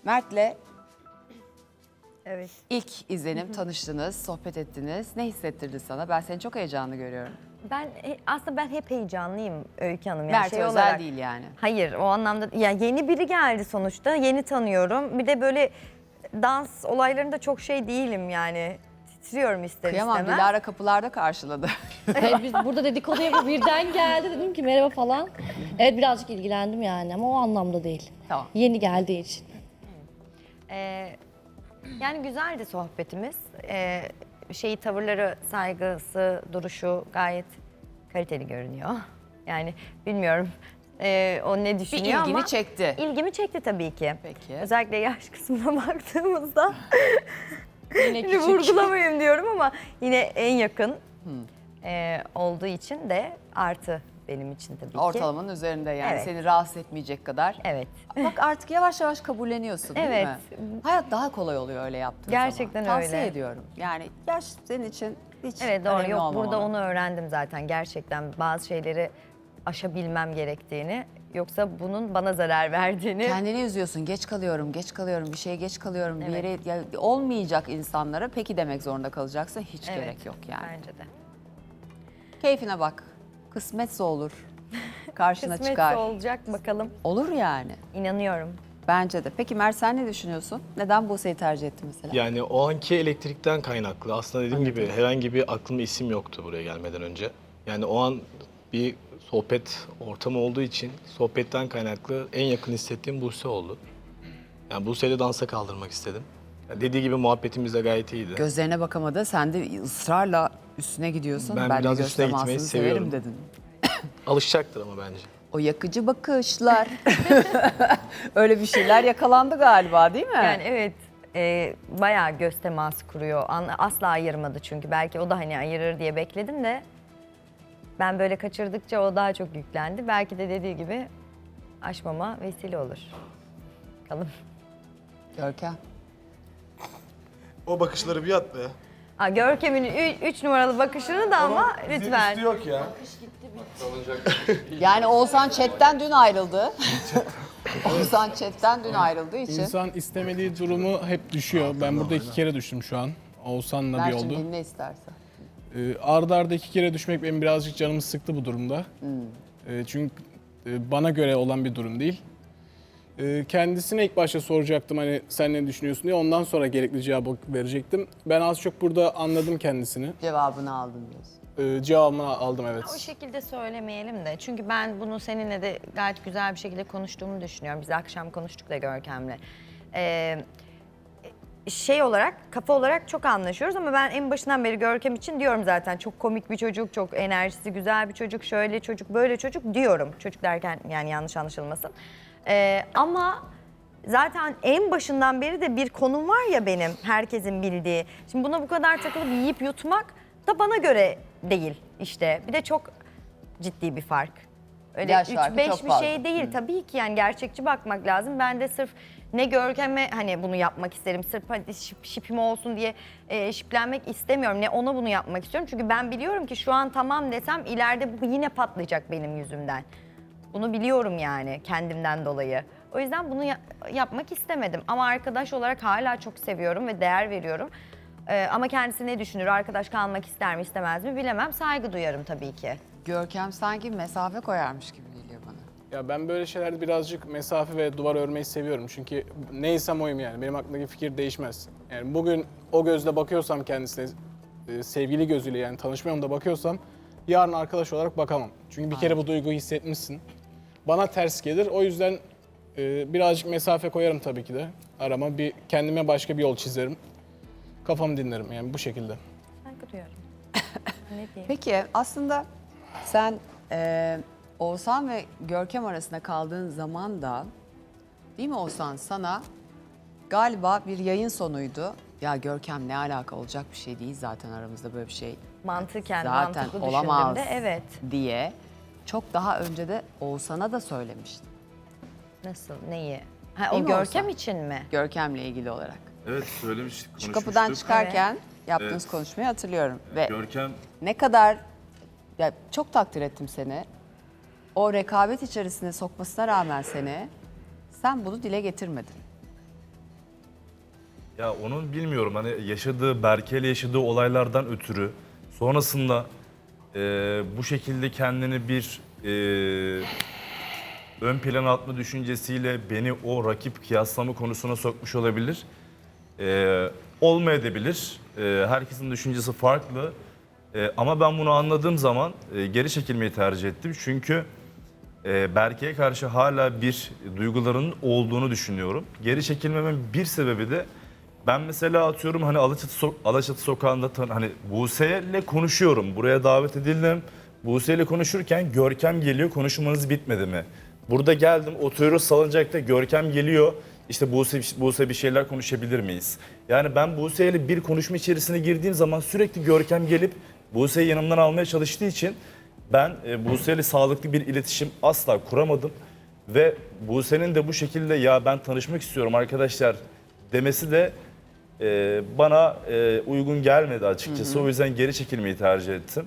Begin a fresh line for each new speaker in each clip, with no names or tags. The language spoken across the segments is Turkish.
Mert'le
Evet.
ilk izlenim, tanıştınız, sohbet ettiniz. Ne hissettirdi sana? Ben seni çok heyecanlı görüyorum.
Aslında ben hep heyecanlıyım Öykü Hanım. Yani
Mert özel
olarak,
değil yani.
Hayır, o anlamda ya yeni biri geldi sonuçta. Yeni tanıyorum. Bir de böyle dans olaylarında çok şey değilim yani. Titriyorum ister
Kıyamam,
istemez.
Dilara kapılarda karşıladı.
Hayır, biz burada dedikodu yapıp birden geldi. Dedim ki merhaba falan. Evet, birazcık ilgilendim yani ama o anlamda değil.
Tamam.
Yeni geldiği için.
Yani güzeldi sohbetimiz. Tavırları, saygısı, duruşu gayet kaliteli görünüyor. Yani bilmiyorum o ne
Bir
düşünüyor ama
ilgini çekti.
ilgimi çekti tabii ki.
Peki.
Özellikle yaş kısmına baktığımızda
Yine
şimdi
küçük.
vurgulamayayım diyorum ama yine en yakın olduğu için de artı benim için tabii ki.
Ortalamanın üzerinde yani
Evet.
seni rahatsız etmeyecek kadar.
Evet.
Bak artık yavaş yavaş kabulleniyorsun değil
Evet.
mi? Hayat daha kolay oluyor öyle yaptığın
Gerçekten
zaman.
öyle.
Tavsiye ediyorum. Yani yaş senin için hiç
Evet doğru.
önemli
Yok
olmamalı.
burada onu öğrendim zaten. Gerçekten bazı şeyleri aşabilmem gerektiğini. Yoksa bunun bana zarar verdiğini.
Kendini üzüyorsun. Geç kalıyorum, geç kalıyorum, bir şeye geç kalıyorum. Bir
Evet.
yere olmayacak insanlara peki demek zorunda kalacaksın. Hiç
Evet,
gerek yok yani.
Bence de.
Keyfine bak. Kısmetse olur. Karşına
Kısmetse
çıkar.
olacak bakalım.
Olur yani.
İnanıyorum.
Bence de. Peki Mert sen ne düşünüyorsun? Neden Buse'yi tercih ettin mesela?
Yani o anki elektrikten kaynaklı. Aslında dediğim gibi herhangi bir aklımda isim yoktu buraya gelmeden önce. Yani o an bir sohbet ortamı olduğu için sohbetten kaynaklı en yakın hissettiğim Buse oldu. Yani Buse'yle dansa kaldırmak istedim. Yani dediği gibi muhabbetimiz de gayet iyiydi.
Gözlerine bakamadı. Sen de ısrarla üstüne gidiyorsun.
Ben
de
biraz
göz
üstüne gitmeyi
temasını
seviyorum.
dedin.
Alışacaktır ama bence.
O yakıcı bakışlar. Öyle bir şeyler yakalandı galiba değil mi?
Yani evet bayağı göz teması kuruyor. Asla ayırmadı çünkü. Belki o da hani ayırır diye bekledim de ben böyle kaçırdıkça o daha çok yüklendi. Belki de dediği gibi aşmama vesile olur. Bakalım.
Görkem.
O bakışları bir at be.
Görkem'in 3 numaralı bakışını da ama lütfen.
Üstü yok ya.
Yani Oğuzhan chatten dün ayrıldı. Oğuzhan chatten dün ayrıldığı için.
İnsan istemediği durumu hep düşüyor. Ben burada 2 kere düştüm şu an. Oğuzhan'la bir
Mert'cim
oldu.
dinle istersen.
Arda arda 2 kere düşmek benim birazcık canımı sıktı bu durumda. Çünkü bana göre olan bir durum değil. Kendisine ilk başta soracaktım hani sen ne düşünüyorsun diye. Ondan sonra gerekli cevabı verecektim. Ben az çok burada anladım kendisini.
Cevabını aldın diyorsun.
Cevabımı aldım evet.
O şekilde söylemeyelim de. Çünkü ben bunu seninle de gayet güzel bir şekilde konuştuğumu düşünüyorum. Biz akşam konuştuk da Görkem'le. Olarak, kafa olarak çok anlaşıyoruz ama ben en başından beri Görkem için diyorum zaten. Çok komik bir çocuk, çok enerjisi güzel bir çocuk, şöyle çocuk, böyle çocuk diyorum. Çocuk derken yani yanlış anlaşılmasın. Ama zaten en başından beri de bir konum var ya benim, herkesin bildiği. Şimdi buna bu kadar takılıp yiyip yutmak da bana göre değil işte. Bir de çok ciddi bir fark. Öyle
Yaş farkı
3-5
çok
bir
fazla.
şey değil tabii ki yani gerçekçi bakmak lazım. Ben de sırf ne Görkem'e hani bunu yapmak isterim. Sırf hadi şipim olsun diye şiplenmek istemiyorum. Ne ona bunu yapmak istiyorum. Çünkü ben biliyorum ki şu an tamam desem ileride bu yine patlayacak benim yüzümden. Bunu biliyorum yani kendimden dolayı. O yüzden bunu yapmak istemedim. Ama arkadaş olarak hala çok seviyorum ve değer veriyorum. Ama kendisi ne düşünür, arkadaş kalmak ister mi istemez mi bilemem. Saygı duyarım tabii ki.
Görkem sanki mesafe koyarmış gibi geliyor bana.
Ya ben böyle şeylerde birazcık mesafe ve duvar örmeyi seviyorum. Çünkü neysem oyum yani. Benim aklımdaki fikir değişmez. Yani bugün o gözle bakıyorsam kendisine, sevgili gözüyle yani tanışmıyorum da bakıyorsam yarın arkadaş olarak bakamam. Çünkü bir kere bu duyguyu hissetmişsin. Bana ters gelir. O yüzden birazcık mesafe koyarım tabii ki de. Arama kendime başka bir yol çizerim. Kafamı dinlerim yani bu şekilde.
Saygı duyarım. Ne diyeyim?
Peki aslında sen Oğuzhan ve Görkem arasında kaldığın zaman da değil mi Oğuzhan sana galiba bir yayın sonuydu. Ya Görkem ne alaka olacak bir şey değil zaten aramızda böyle bir şey
Mantıken,
zaten
mantıklı
olamaz
düşündüğümde evet.
diye çok daha önce de Oğuzhan'a da söylemiştim.
Nasıl, neyi? Ha,
Değil
o
mi
Görkem
Oğuzhan?
için mi?
Görkem'le ilgili olarak.
Evet söylemiştik,
Şu
konuşmuştuk.
kapıdan çıkarken yaptığınız
Evet.
konuşmayı hatırlıyorum. Ve
Görkem
ne kadar ya çok takdir ettim seni. O rekabet içerisine sokmasına rağmen seni sen bunu dile getirmedin.
Ya onun bilmiyorum hani yaşadığı, Berke'yle yaşadığı olaylardan ötürü sonrasında bu şekilde kendini bir ön plana atma düşüncesiyle beni o rakip kıyaslama konusuna sokmuş olabilir. Olmayabilir. Herkesin düşüncesi farklı. Ama ben bunu anladığım zaman geri çekilmeyi tercih ettim. Çünkü Berke'ye karşı hala bir duyguların olduğunu düşünüyorum. Geri çekilmemin bir sebebi de ben mesela atıyorum hani Alaçatı sokağında hani Buse'yle konuşuyorum. Buraya davet edildim. Buse'yle konuşurken Görkem geliyor, konuşmanız bitmedi mi? Burada geldim, oturuyoruz salıncakta, Görkem geliyor. İşte Buse bir şeyler konuşabilir miyiz? Yani ben Buse'yle bir konuşma içerisine girdiğim zaman sürekli Görkem gelip Buse'yi yanımdan almaya çalıştığı için ben Buse'yle sağlıklı bir iletişim asla kuramadım. Ve Buse'nin de bu şekilde ya ben tanışmak istiyorum arkadaşlar demesi de bana uygun gelmedi açıkçası. O yüzden geri çekilmeyi tercih ettim.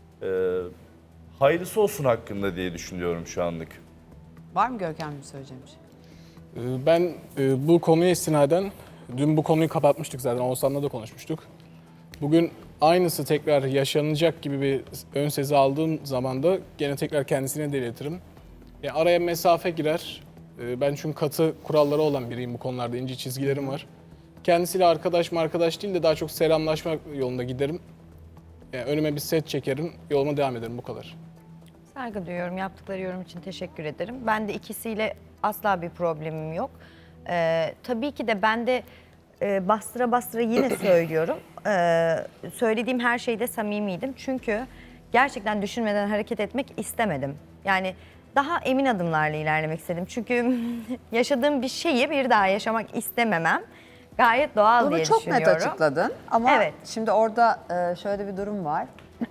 Hayırlısı olsun hakkında diye düşünüyorum şu anlık.
Var mı Görkem'in söyleyeceğim bir şey?
Ben bu konuya istinaden, dün bu konuyu kapatmıştık zaten, Oğuzhan'la da konuşmuştuk. Bugün aynısı tekrar yaşanacak gibi bir ön sezi aldığım zaman da gene tekrar kendisine de iletirim. Araya mesafe girer. Ben çünkü katı kuralları olan biriyim bu konularda, ince çizgilerim var. Kendisiyle arkadaş değil de daha çok selamlaşmak yolunda giderim. Önüme bir set çekerim, yoluma devam ederim, bu kadar.
Saygı duyuyorum. Yaptıkları yorum için teşekkür ederim. Ben de ikisiyle asla bir problemim yok. Tabii ki de ben de bastıra bastıra yine söylüyorum. Söylediğim her şeyde samimiydim. Çünkü gerçekten düşünmeden hareket etmek istemedim. Yani daha emin adımlarla ilerlemek istedim. Çünkü yaşadığım bir şeyi bir daha yaşamak istememem gayet doğal
Bunu
diye
çok
düşünüyorum.
net açıkladın ama
Evet.
şimdi orada şöyle bir durum var.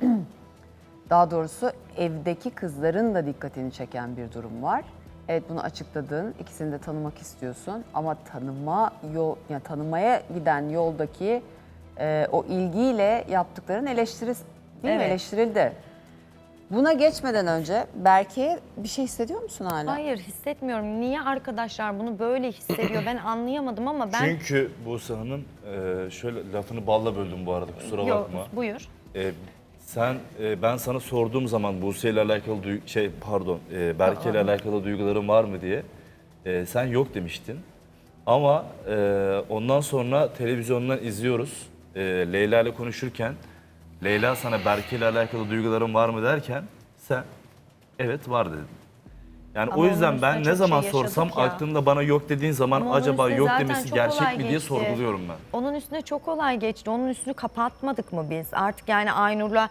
Daha doğrusu evdeki kızların da dikkatini çeken bir durum var. Evet, bunu açıkladın, ikisini de tanımak istiyorsun ama tanımaya giden yoldaki o ilgiyle yaptıkların değil mi?
Evet.
Eleştirildi. Buna geçmeden önce Berke'ye bir şey hissediyor musun hala?
Hayır, hissetmiyorum. Niye arkadaşlar bunu böyle hissediyor? Ben anlayamadım ama ben...
Çünkü Buse Hanım şöyle lafını balla böldüm bu arada kusura
Yok,
bakma.
buyur.
Ben sana sorduğum zaman Buse ile alakalı Berke ile alakalı duyguların var mı diye sen yok demiştin. Ama ondan sonra televizyondan izliyoruz. Leyla ile konuşurken Leyla sana Berke ile alakalı duyguların var mı derken sen evet var dedin. Yani
Ama
o yüzden
onun
ben
üstüne
ne
çok
zaman
şey
sorsam
yaşadık ya.
aklımda bana yok dediğin zaman
Ama onun
acaba
üstüne
yok
zaten
demesi
çok
gerçek
olay
mi diye
geçti.
sorguluyorum ben.
Onun üstüne çok olay geçti. Onun üstünü kapatmadık mı biz? Artık yani Aynur'la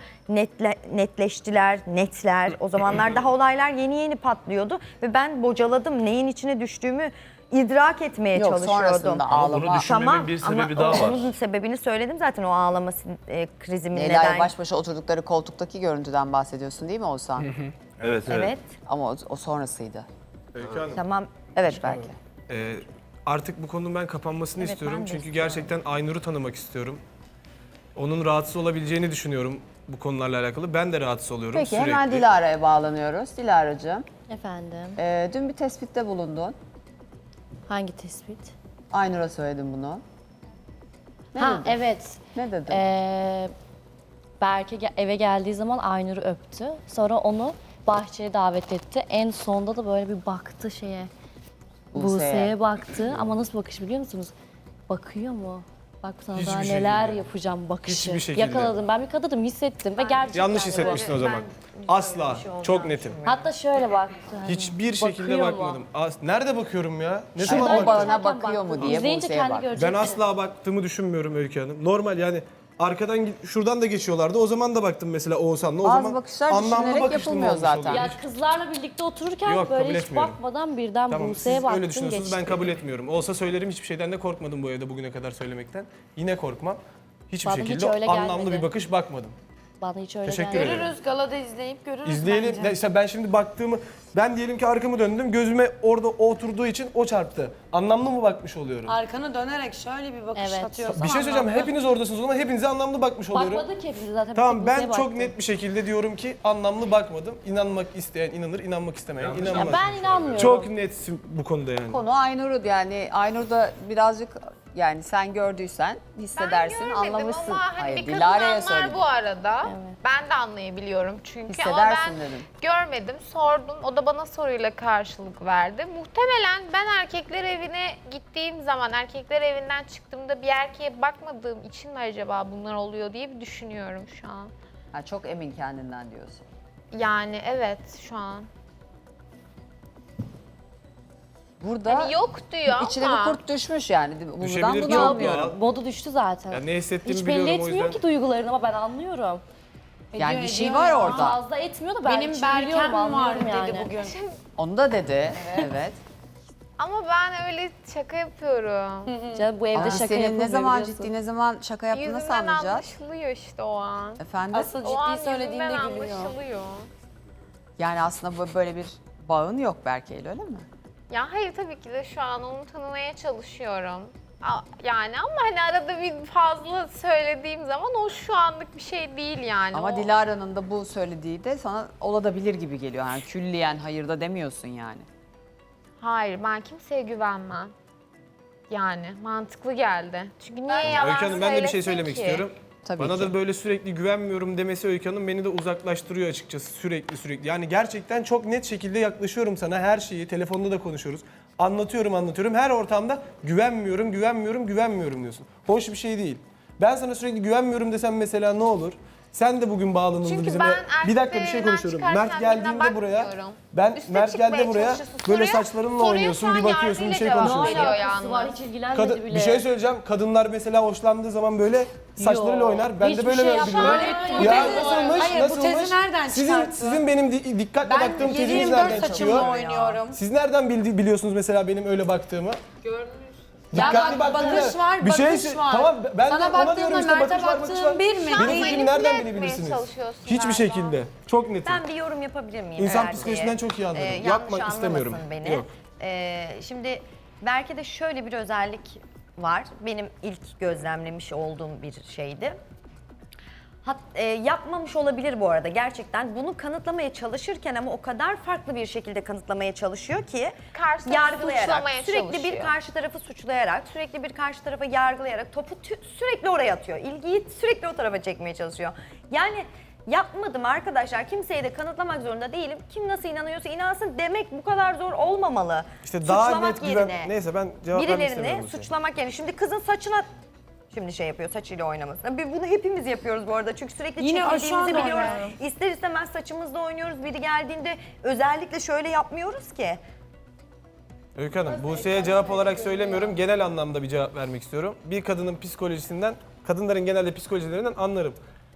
netler. O zamanlar daha olaylar yeni patlıyordu. Ve ben bocaladım. Neyin içine düştüğümü idrak etmeye
Yok,
çalışıyordum.
sonrasında
Ama bunu
ağlama.
düşünmemin bir sebebi daha var.
Onun sebebini söyledim zaten, o ağlama krizimin
Leyla'yla
neden.
baş başa oturdukları koltuktaki görüntüden bahsediyorsun değil mi Oğuzhan?
Evet.
Evet,
Ama o sonrasıydı.
tamam.
Evet Berke.
Artık bu konunun ben kapanmasını
Evet,
istiyorum.
ben de
Çünkü
istiyorum.
gerçekten Aynur'u tanımak istiyorum. Onun rahatsız olabileceğini düşünüyorum bu konularla alakalı. Ben de rahatsız oluyorum
Peki
sürekli.
hemen Dilara'ya bağlanıyoruz. Dilara'cığım,
Efendim,
dün bir tespitte bulundun.
hangi tespit?
Aynur'a söyledim bunu. Ne
Ha
dedin?
evet.
Ne dedin?
Berke eve geldiği zaman Aynur'u öptü. Sonra onu bahçeye davet etti. En sonda da böyle bir baktı şeye. Buse'ye baktı ama nasıl bakış biliyor musunuz? Bakıyor mu? Bak sana
Hiçbir
daha
şekilde.
neler yapacağım bakışı.
Hiçbir şekilde.
Yakaladım. Ben bir kadınım, hissettim ve gerçekten
Yanlış
de
hissetmişsin o
böyle.
zaman. Asla. Çok netim.
Hatta şöyle baktı. hani,
Hiçbir şekilde
bakıyor mu?
bakmadım. Nerede bakıyorum ya? Ne
Şuradan
zaman
o
baktım?
bana
bakarken
bakıyor mu
baktı.
diye
İzleyince
Buse'ye
kendi
baktı.
göreceksin.
Ben asla baktığımı düşünmüyorum Öykü Hanım. Normal yani arkadan şuradan da geçiyorlardı. O zaman da baktım mesela Oğuzhan'la. O
Bazı
zaman
bakışlar
anlamlı
düşünülerek
bakışlı mı
yapılmıyor
olmuş
zaten.
oluyor?
Ya kızlarla birlikte otururken
Yok,
böyle
kabul
hiç
etmiyorum.
bakmadan birden
Tamam,
Buse'ye
siz
baktım
öyle düşünüyorsunuz,
geçti.
ben kabul etmiyorum. Olsa söylerim, hiçbir şeyden de korkmadım bu evde bugüne kadar söylemekten. Yine korkmam. Hiçbir
Bana hiç
şekilde
öyle
anlamlı
gelmedi.
bir bakış bakmadım.
Bana hiç öyle
Teşekkür
gelmedi.
ederim.
Görürüz, galada izleyip görürüz
İzleyelim.
bence.
İşte ben şimdi baktığımı, ben diyelim ki arkamı döndüm, gözüme orada oturduğu için o çarptı. Anlamlı mı bakmış oluyorum?
Arkanı dönerek şöyle bir bakış
Evet.
atıyorsan
Bir şey söyleyeceğim,
anlamlı.
hepiniz oradasınız o zaman hepinize anlamlı bakmış oluyorum.
Bakmadı ki hepimiz zaten.
Tamam,
bir tek
ben
Buse'ye
çok
baktım.
net bir şekilde diyorum ki anlamlı bakmadım. İnanmak isteyen inanır, inanmak istemeyen inanmaz.
Ya ben inanmıyorum.
Çok netsin bu konuda yani.
Konu Aynur'u, yani Aynur da birazcık Yani sen gördüysen hissedersin,
Ben görmedim
anlamışsın.
ama hani
Hayır,
bir kadın
Dilara'ya
anlar
söyledim.
bu arada. Ben de anlayabiliyorum çünkü
Hissedersin
ama ben
dedim.
görmedim, sordum. O da bana soruyla karşılık verdi. Muhtemelen ben erkekler evine gittiğim zaman, erkekler evinden çıktığımda bir erkeğe bakmadığım için mi acaba bunlar oluyor diye bir düşünüyorum şu an.
Ha, çok emin kendinden diyorsun.
Yani evet şu an.
Burada
Hani yok diyor
içine
ama.
bir kurt düşmüş yani. Buradan
Düşebilir
bunu
çok
anlıyorum.
doğal.
Modu düştü zaten.
Ya ne hissettiğimi
Hiç belli
biliyorum o
etmiyor
yüzden.
ki duygularını ama ben anlıyorum.
Yani bir şey var orada.
Fazla etmiyor da ben
Benim
içini biliyorum,
Berkem var
anlıyorum
dedi
yani.
bugün.
Onu da dedi. Evet.
Ama ben öyle şaka yapıyorum.
Canım bu evde
Ama
şaka
senin ne
yapılmıyor
zaman
biliyorsun.
ciddi, ne zaman şaka yaptığını nasıl
Yüzümden
anlayacağız?
anlaşılıyor işte o an.
Efendim?
Asıl
O an
ciddi söylediğinde
yüzümden
gülüyor.
anlaşılıyor.
Yani aslında böyle bir bağın yok Berke'yle, öyle mi?
Ya hayır tabii ki de şu an onu tanımaya çalışıyorum. Yani ama hani arada bir fazla söylediğim zaman o şu anlık bir şey değil yani.
Ama
O-
Dilara'nın da bu söylediği de sana olabilir gibi geliyor. Yani külliyen hayır da demiyorsun yani.
Hayır ben kimseye güvenmem. Yani mantıklı geldi. Çünkü niye yalan
Öykü Hanım ben de bir şey
söylesin
söylemek
ki?
istiyorum.
Tabii
Bana
ki.
da böyle sürekli güvenmiyorum demesi Öykü Hanım beni de uzaklaştırıyor açıkçası sürekli. Yani gerçekten çok net şekilde yaklaşıyorum sana her şeyi. Telefonda da konuşuyoruz. Anlatıyorum. Her ortamda güvenmiyorum diyorsun. Hoş bir şey değil. Ben sana sürekli güvenmiyorum desem mesela ne olur? Sen de bugün bağlanıldın
Çünkü
bizimle.
ben
Bir dakika bir şey
erkeklerinden
konuşuyorum.
çıkarken
Mert geldiğinde
birine
buraya,
bakmıyorum.
ben
Üste
Mert
çıkmaya
geldi buraya
çalışıyorsun.
böyle
Soruya-
saçlarınla
soruya
oynuyorsun,
şu
bir
an
bakıyorsun, bir
yargıyla
şey
cevap
konuşuyorsun.
veriyor
Alakası var,
yalnız.
hiç ilgilenmedi bile.
Bir şey söyleyeceğim. Kadınlar mesela hoşlandığı zaman böyle saçlarıyla oynar. Ben de
hiçbir
böyle
şey
biliyorum.
yapmaz.
Ya nasılmış?
Hayır, bu
Nasılmış?
tezi nereden çıkarttı?
Sizin benim dikkatle
Ben
baktığım teziniz
7/24
nereden
saçımla
çıkıyor?
oynuyorum.
Siz nereden biliyorsunuz mesela benim öyle baktığımı? Dikkatli
bak,
baktığımda
bakış var,
bir şey
bakış var.
Tamam ben
Sana
de ona
baktığımda
diyorum işte
Mert'e
bakış var, bakış var.
baktığın bir mi?
Benim
Değil.
fikrimi nereden
Manipüle
bilebilirsiniz?
etmeye çalışıyorsun
Hiçbir
galiba.
şekilde. Çok netim.
Ben bir yorum yapabilir miyim?
İnsan
eğer
psikolojisinden
diye?
çok iyi anlarım.
Yanlış
Yapmak
anlamasın
istemiyorum.
Beni.
Yok.
Şimdi Berke'de şöyle bir özellik var. Benim ilk gözlemlemiş olduğum bir şeydi. Yapmamış olabilir bu arada gerçekten. Bunu kanıtlamaya çalışırken ama o kadar farklı bir şekilde kanıtlamaya çalışıyor ki
Karşı tarafı
yargılayarak,
suçlamaya
sürekli bir
çalışıyor.
karşı tarafı suçlayarak, sürekli bir karşı tarafa yargılayarak topu sürekli oraya atıyor. İlgiyi sürekli o tarafa çekmeye çalışıyor. Yani yapmadım arkadaşlar. Kimseye de kanıtlamak zorunda değilim. Kim nasıl inanıyorsa inansın demek bu kadar zor olmamalı.
İşte daha
Suçlamak
net güven...
yerine
Neyse ben cevap vermek istemiyorum.
birilerini
bu şeye.
suçlamak yerine. Şimdi kızın saçına şimdi şey yapıyor, saçıyla oynaması. Bunu hepimiz yapıyoruz bu arada. Çünkü sürekli
Yine o şu
çekildiğimizi
an
biliyoruz.
oynuyorum.
İster istemez saçımızla oynuyoruz. Biri geldiğinde özellikle şöyle yapmıyoruz ki.
Öykü Hanım, Buse'ye cevap olarak söylemiyorum. Genel anlamda bir cevap vermek istiyorum. Bir kadının psikolojisinden, kadınların genelde psikolojilerinden anlarım.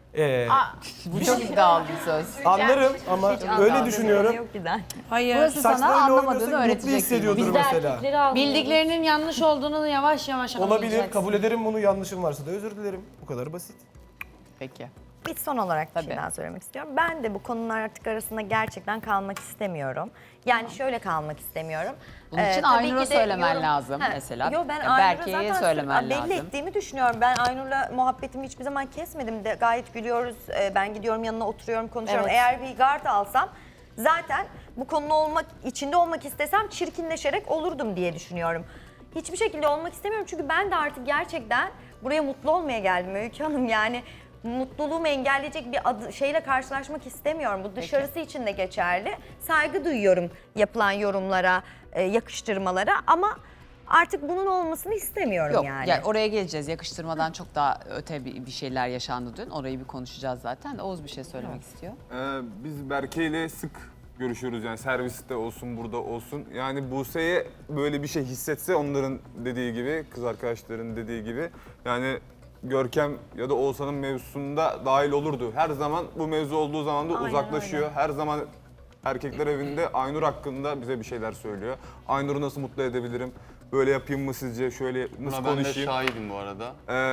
Bu çok iddialı bir söz.
Anlarım ama öyle düşünüyorum.
Yok giden.
Hayır.
Burası sana
Saçlarıyla
anlamadığını
oynuyorsa mutlu
öğretecek.
hissediyordur
Biz de
mesela.
erkekleri anlıyoruz.
Bildiklerinin yanlış olduğunu yavaş yavaş
Olabilir,
anlayacaksın.
kabul ederim bunu. Yanlışım varsa da özür dilerim. Bu kadar basit.
Peki.
Bir son olarak bir
Tabii.
şey daha söylemek istiyorum. Ben de bu konular artık arasında gerçekten kalmak istemiyorum. Yani şöyle kalmak istemiyorum.
Bunun için
Tabii
Aynur'a
ki de
söylemen lazım mesela.
Yo ben
Ya
Aynur'a
Berke'ye
zaten
söylemen
belli
lazım.
ettiğimi düşünüyorum. Ben Aynur'la muhabbetimi hiçbir zaman kesmedim de gayet gülüyoruz. Ben gidiyorum yanına oturuyorum konuşuyorum.
Evet.
Eğer bir gard alsam zaten bu konunun içinde olmak istesem çirkinleşerek olurdum diye düşünüyorum. Hiçbir şekilde olmak istemiyorum çünkü ben de artık gerçekten buraya mutlu olmaya geldim Öykü Hanım. Yani mutluluğumu engelleyecek bir şeyle karşılaşmak istemiyorum. Bu dışarısı için de geçerli. Saygı duyuyorum yapılan yorumlara, yakıştırmalara ama artık bunun olmasını istemiyorum
Yok
yani.
yani oraya geleceğiz. Yakıştırmadan çok daha öte bir şeyler yaşandı dün. Orayı bir konuşacağız zaten. Oğuz bir şey söylemek istiyor.
Biz Berke ile sık görüşüyoruz yani serviste olsun burada olsun. Yani Buse'ye böyle bir şey hissetse onların dediği gibi, kız arkadaşların dediği gibi yani Görkem ya da Oğuzhan'ın mevzusunda dahil olurdu. Her zaman bu mevzu olduğu zaman da
Aynen
uzaklaşıyor.
öyle.
Her zaman erkekler evinde Aynur hakkında bize bir şeyler söylüyor. Aynur'u nasıl mutlu edebilirim? Böyle yapayım mı sizce? Şöyle nasıl
Buna ben de
konuşayım?
şahidim bu arada.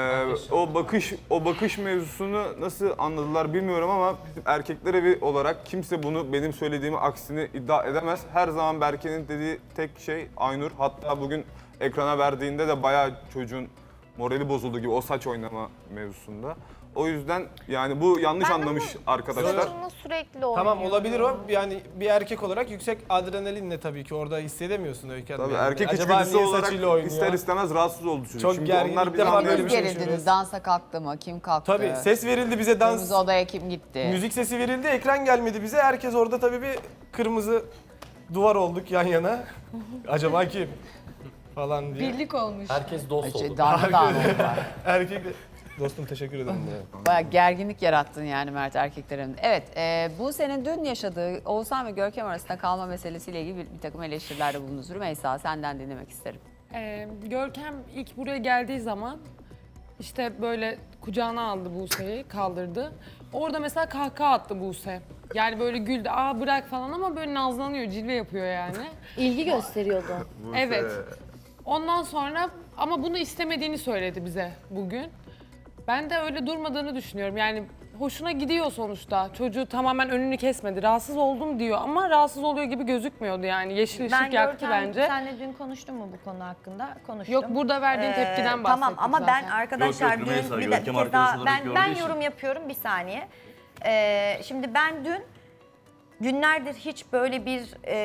O bakış mevzusunu nasıl anladılar bilmiyorum ama bizim erkekler evi olarak kimse bunu benim söylediğimi aksini iddia edemez. Her zaman Berke'nin dediği tek şey Aynur. Hatta bugün ekrana verdiğinde de bayağı çocuğun morali bozuldu gibi o saç oynama mevzusunda. O yüzden yani bu yanlış anlamış arkadaşlar.
Saçımla sürekli oynuyorum.
Tamam olabilir o. Yani bir erkek olarak yüksek adrenalinle tabii ki orada hissedemiyorsun Öykü Hanım.
Tabii
Yani.
erkek
Acaba
içgüdüsü
niye
olarak
saçıyla oynuyor?
ister istemez rahatsız oldu çocuk.
Çok
Şimdi
gergin,
onlar
ilk
bir
defa
anlayabilir.
böyle bir şey
Gerildiniz,
yaşıyoruz.
dansa kalktı mı? Kim kalktı?
Tabii ses verildi bize, dans,
Kırmızı odaya kim gitti?
müzik sesi verildi, ekran gelmedi bize. Herkes orada tabii bir kırmızı duvar olduk yan yana. Acaba kim? Falan diye.
Birlik olmuş.
Herkes dost oldu.
Darmadağın oldular.
Erkek de... Dostum teşekkür ederim.
Bayağı gerginlik yarattın yani Mert erkeklerin. Evet, bu senin dün yaşadığı Oğuzhan ve Görkem arasında kalma meselesiyle ilgili bir takım eleştirilerde bulundunuz. Rümeysa, senden dinlemek isterim.
Görkem ilk buraya geldiği zaman işte böyle kucağına aldı Buse'yi, kaldırdı. Orada mesela kahkaha attı Buse. Yani böyle güldü, aa bırak falan ama böyle nazlanıyor, cilve yapıyor yani.
İlgi gösteriyordu.
Evet. Ondan sonra ama bunu istemediğini söyledi bize bugün. Ben de öyle durmadığını düşünüyorum. Yani hoşuna gidiyor sonuçta. Çocuğu tamamen önünü kesmedi. Rahatsız oldum diyor ama rahatsız oluyor gibi gözükmüyordu yani. Yeşil ışık yaktı bence.
Senle dün konuştun mu bu konu hakkında? Konuştum.
Yok, burada verdiğin tepkiden bahsettik
Tamam ama ben
zaten.
arkadaşlar
Yok, yok, Rümeysa,
dün bir
Görkem
kez daha
arkadaş olarak
ben
gördüğü için.
yorum yapıyorum bir saniye. Şimdi ben dün günlerdir hiç böyle bir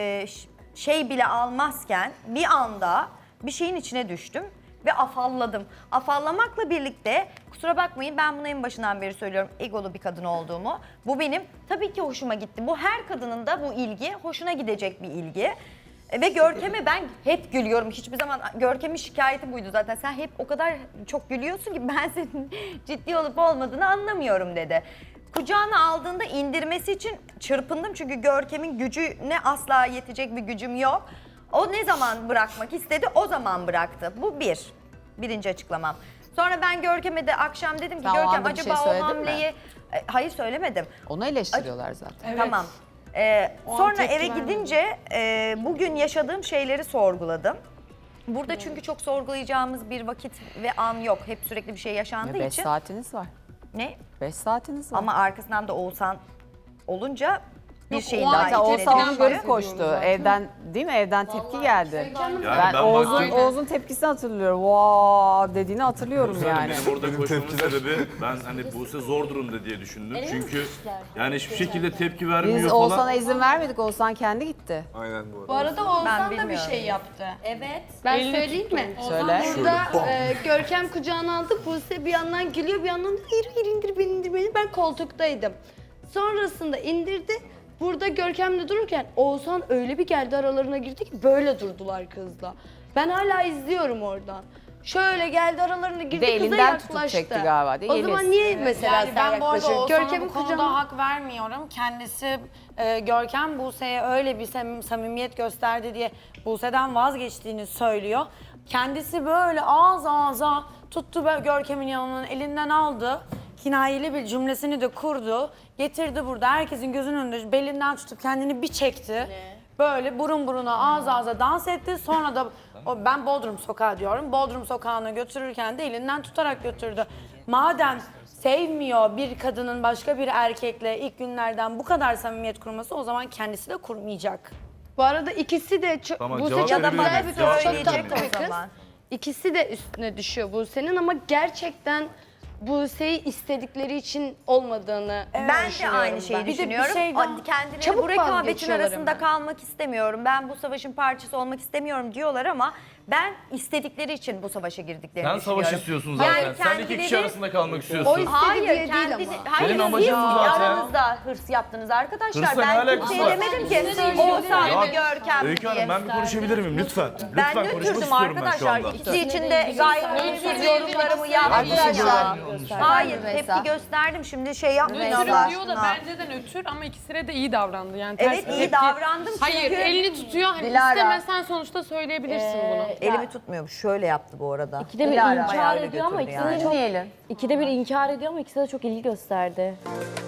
şey bile almazken bir anda bir şeyin içine düştüm ve afalladım. Afallamakla birlikte kusura bakmayın ben bunu en başından beri söylüyorum egolu bir kadın olduğumu. Bu benim tabii ki hoşuma gitti. Bu her kadının da bu ilgi hoşuna gidecek bir ilgi. Ve Görkem'e ben hep gülüyorum. Hiçbir zaman Görkem'in şikayeti buydu zaten. Sen hep o kadar çok gülüyorsun ki ben senin ciddi olup olmadığını anlamıyorum dedi. Kucağına aldığında indirmesi için çırpındım çünkü Görkem'in gücüne asla yetecek bir gücüm yok. O ne zaman bırakmak istedi o zaman bıraktı. Bu birinci açıklamam. Sonra ben Görkem'e de akşam dedim ki
Sen o
Görkem
anda bir şey
acaba o
söyledin mi?
hamleyi... Hayır söylemedim.
Onu eleştiriyorlar zaten.
Evet.
Tamam.
O an
Sonra
tepki
eve
vermedim.
gidince bugün yaşadığım şeyleri sorguladım. Burada çünkü çok sorgulayacağımız bir vakit ve an yok. Hep sürekli bir şey yaşandığı
5
için.
saatiniz var.
Ne?
5 saatiniz var.
Ama arkasından da Oğuzhan olunca bir
Yok,
şeyin
o
daha
an
Zaten
içine
Oğuzhan onu
düştü.
görüp koştu. Evden değil mi? Evden tepki geldi.
Yani
Ben
baktım-
Oğuz'un tepkisini hatırlıyorum. Vaa dediğini hatırlıyorum yani.
Benim orada koşmamın sebebi ben hani Buse zor durumda diye düşündüm. Çünkü yani hiçbir şekilde tepki vermiyor
Biz
falan.
Oğuzhan'a izin vermedik. Oğuzhan kendi gitti.
Aynen bu arada.
Bu arada Oğuzhan da bir
bilmiyorum.
şey yaptı.
Evet.
Ben söyleyeyim mi?
Söyle.
Burada Görkem kucağına aldı. Buse bir yandan gülüyor bir yandan da hayır indir beni. Ben koltuktaydım. Sonrasında indirdi. Burada Görkem'le dururken Oğuzhan öyle bir geldi aralarına girdi ki böyle durdular kızla. Ben hala izliyorum oradan. Şöyle geldi aralarına girdi
de
kıza
elinden tutup
yaklaştı.
çekti galiba, değil mi?
O zaman
Yeliz.
niye mesela
Yani
sen
ben bu arada
yaklaşıyorsun?
Oğuzhan'a
Görkem'in
bu konuda
kucağına...
hak vermiyorum. Kendisi Görkem Buse'ye öyle bir samimiyet gösterdi diye Buse'den vazgeçtiğini söylüyor. Kendisi böyle ağız ağza tuttu Görkem'in yanından elinden aldı. Kinayeli bir cümlesini de kurdu. Getirdi burada herkesin gözünün önünde belinden tutup kendini bir çekti. Böyle burun buruna ağız ağza dans etti. Sonra da ben Bodrum Sokağı diyorum. Bodrum Sokağı'na götürürken de elinden tutarak götürdü. Madem sevmiyor bir kadının başka bir erkekle ilk günlerden bu kadar samimiyet kurması o zaman kendisi de kurmayacak.
Bu arada ikisi de çok...
Tamam,
Buse
cevap
çok
verebilir
güzel
miyim?
bir
Cevap
kız, çok
verebilir
tatlı
miyim?
bir
O
kız.
zaman.
İkisi de üstüne düşüyor Buse'nin ama gerçekten Buse'yi istedikleri için olmadığını
Ben de
düşünüyorum
aynı şeyi
ben.
düşünüyorum. Kendileri
Çabuk
bu rekabetin
vazgeçiyorlar
arasında
hemen.
kalmak istemiyorum. Ben bu savaşın parçası olmak istemiyorum diyorlar ama ben istedikleri için bu savaşa girdiklerini
Sen
düşünüyorum.
savaş istiyorsun zaten.
Yani
Sen iki kişi
kendileri-
arasında kalmak
O
istiyorsun.
istedi
Hayır,
diye değil
kendini,
ama.
hayır
Benim
siz
amacım bu zaten.
aranızda hırs yaptınız arkadaşlar.
Hırsla ne
Ben
alakası
kimseye
var?
demedim ki Oğuzhan
Ya,
ve Görkem
Öykü Hanım
diye.
ben bir konuşabilir miyim lütfen?
Ben
Lütfen konuşmak
nötrdüm
istiyorum ben şu
arkadaşlar.
anda.
İkisi için de gayet nötr yorumlarımı yaptım
Arkadaşlar,
ya. Hayır
Rümeysa.
tepki gösterdim şimdi şey yapmayın
Nötrüm
Allah
diyor da
aşkına.
bence de nötr ama ikisine de iyi davrandı. Yani
Evet,
ters bir
iyi
tepki-
davrandım
Hayır
çünkü-
elini tutuyor hani
Dilara.
istemesen sonuçta söyleyebilirsin bunu.
Elimi tutmuyormuş. Şöyle yaptı bu arada.
İkide bir
Dilara
inkar
ayağıyla
ediyor ama
götürdü
ikisi de
yani.
çok,
Dinleyelim.
ikide bir inkar ediyor ama ikisi de çok ilgi gösterdi.